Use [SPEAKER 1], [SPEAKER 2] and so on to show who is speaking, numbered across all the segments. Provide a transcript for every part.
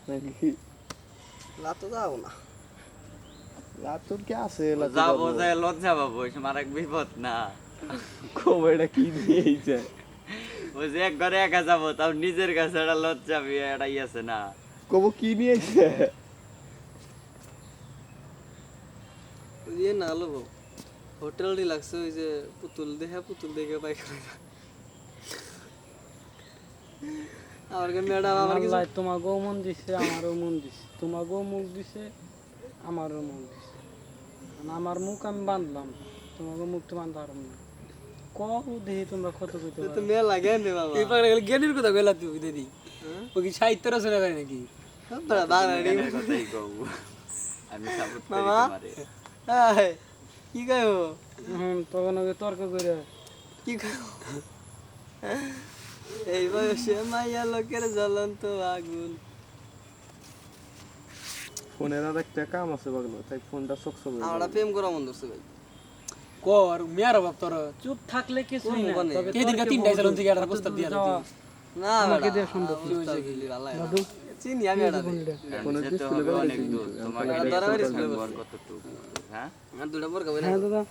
[SPEAKER 1] নাকি
[SPEAKER 2] লাতো যাও না
[SPEAKER 1] লাতুর কি আছে
[SPEAKER 3] যাবো যে লজ্জা পাবো আমার এক বিপদ না
[SPEAKER 1] খবরটা কি দিয়েছে
[SPEAKER 3] ওই যে এক ঘরে একা যাবো তাও নিজের কাছে একটা লজ্জা এটাই আছে না
[SPEAKER 1] কব কি নিয়েছে
[SPEAKER 2] ইয়ে না হলো হোটেল রিল্যাক্স ওই যে পুতুল দেখে পায়খানা আমার ম্যাডাম আমার কিছু
[SPEAKER 4] আল্লাহ তোমাকেও মন দিছে আমারও মন দিছে তোমাকেও মুখ দিছে আমারও মুখ দিছে আমার মুখ আমি বাঁধলাম তোমাকে মুখ তো বাঁধতে পারলাম না কত দেখি তোমরা কত কইতে
[SPEAKER 2] তো মেয়ে লাগে নে বাবা
[SPEAKER 5] এই পাগলা জ্ঞানের কথা কইলা তুই দিদি ও কি সাহিত্য রচনা করে নাকি
[SPEAKER 2] বাংলা
[SPEAKER 3] জ্ঞানের কথাই কও আমি সাপোর্ট করি
[SPEAKER 2] মামা?
[SPEAKER 3] তোমারে
[SPEAKER 2] কি কইও
[SPEAKER 4] তখন ওকে তর্ক করে
[SPEAKER 2] কি কইও এই বয়সে মাইয়া লোকের জ্বলন্ত আগুন
[SPEAKER 1] ফোনের আর একটা কাম আছে বাগলো তাই ফোনটা সকসক
[SPEAKER 2] আমরা প্রেম করা মন ধরছে ভাই
[SPEAKER 5] কর মেয়ার বাপ তোর
[SPEAKER 4] চুপ থাকলে কিছুই না
[SPEAKER 2] কোন
[SPEAKER 4] তবে
[SPEAKER 5] এই দিনকা তিনটাই চালন থেকে একটা প্রস্তাব দিয়া
[SPEAKER 4] যাওয়া
[SPEAKER 2] না
[SPEAKER 4] আমাকে দেয়া সম্ভব
[SPEAKER 2] দাদু চিনি আমি এটা
[SPEAKER 1] ফোনের
[SPEAKER 3] যেতে
[SPEAKER 1] ডিসপ্লে
[SPEAKER 3] হবে
[SPEAKER 1] বেলা
[SPEAKER 3] অনেক দূর তোমাকে
[SPEAKER 2] আর দরাবাড়ি স্কুলে
[SPEAKER 3] সম্পর্ক কতটুকু হ্যাঁ
[SPEAKER 2] আর দুটা বড় কইরা
[SPEAKER 4] হ্যাঁ দাদা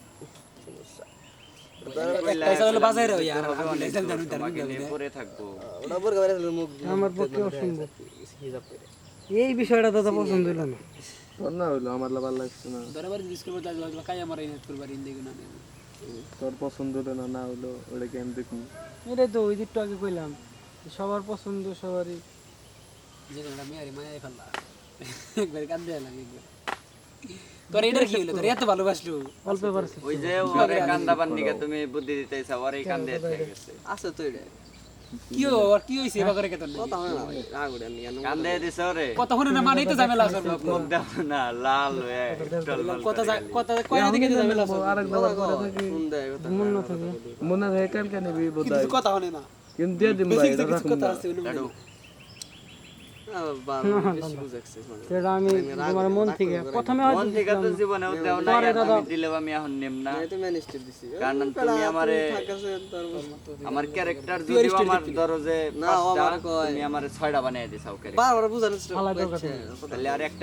[SPEAKER 5] পয়সা হলো বাজারে ওই আর
[SPEAKER 3] হবে অনেক
[SPEAKER 5] আমি
[SPEAKER 3] দূর, তোমাকে নিয়ে পড়ে থাকবো
[SPEAKER 2] ওটা বড় কইরা মুখ
[SPEAKER 4] আমার পক্ষে অসম্ভব
[SPEAKER 2] হিসাব করে
[SPEAKER 4] এই বিষয়টা দাদা পছন্দ হলো না
[SPEAKER 1] তোর না হইলো আমার ভালো লাগছে না
[SPEAKER 5] দরবার ডিসকাস করতে যাওয়া কাই আমার এই নেট করবার ইন্দিকে না
[SPEAKER 1] তোর পছন্দ হলো না না হলো ওটা কেন দেখুন
[SPEAKER 4] এটাই তো ওই দিকটা আগে কইলাম সবার পছন্দ সবারই
[SPEAKER 5] যে না মেয়ারি মায়া ফেললা একবার কাঁদতে লাগে একবার তোর এটা কি হলো তোর এত ভালোবাসলো
[SPEAKER 4] অল্প পারছে
[SPEAKER 3] ওই যে ওরে কান্দাবার নিকে তুমি বুদ্ধি দিতেছ ওরে কান্দে থেকে গেছে
[SPEAKER 2] আছে তো এটা
[SPEAKER 5] কি হইছে এবার করে কেতন
[SPEAKER 2] কথা হয় না ভাই রাগ উঠে আমি কেন
[SPEAKER 3] কান্দে দিছ ওরে
[SPEAKER 5] কথা শুনে না মানেই তো ঝামেলা আছে বাপ
[SPEAKER 3] মুখ দাও না লাল হয়ে টলমল
[SPEAKER 5] কথা
[SPEAKER 3] করে
[SPEAKER 5] কথা কয়না দিকে তো ঝামেলা আছে
[SPEAKER 1] আরেক
[SPEAKER 2] কথা
[SPEAKER 1] দাবার
[SPEAKER 2] কয় ফোন দেয় কথা
[SPEAKER 4] মন না থাকে
[SPEAKER 1] মনে হয় কালকে নিবি বোধহয়
[SPEAKER 5] কিছু কথা শুনে না
[SPEAKER 1] কিন্তু দিয়ে দিন ভাই এটা
[SPEAKER 5] কিছু
[SPEAKER 1] রাখুন
[SPEAKER 5] কথা
[SPEAKER 1] না
[SPEAKER 5] আছে উনি
[SPEAKER 3] লাডু
[SPEAKER 2] বেশি বুঝাচ্ছে
[SPEAKER 4] সেটা আমি তোমার মন থেকে প্রথমে
[SPEAKER 3] মন
[SPEAKER 4] হয়তো
[SPEAKER 3] থেকে তো জীবনেও দেও না আমি দিলেও আমি এখন নেম না
[SPEAKER 2] আমি তো ম্যানেজটা দিছি
[SPEAKER 3] কারণ তুমি আমারে
[SPEAKER 2] থাকাছে তোর
[SPEAKER 3] আমার ক্যারেক্টার যদি আমার ধরো যে
[SPEAKER 2] না, ও আমারে কয়।
[SPEAKER 3] তুমি আমারে 6টা বানিয়ে দিছাও ক্যারেক্টার
[SPEAKER 2] বারবার বুঝানোর চেষ্টা
[SPEAKER 4] আলাদা
[SPEAKER 2] করছে
[SPEAKER 3] তাহলে আর একটা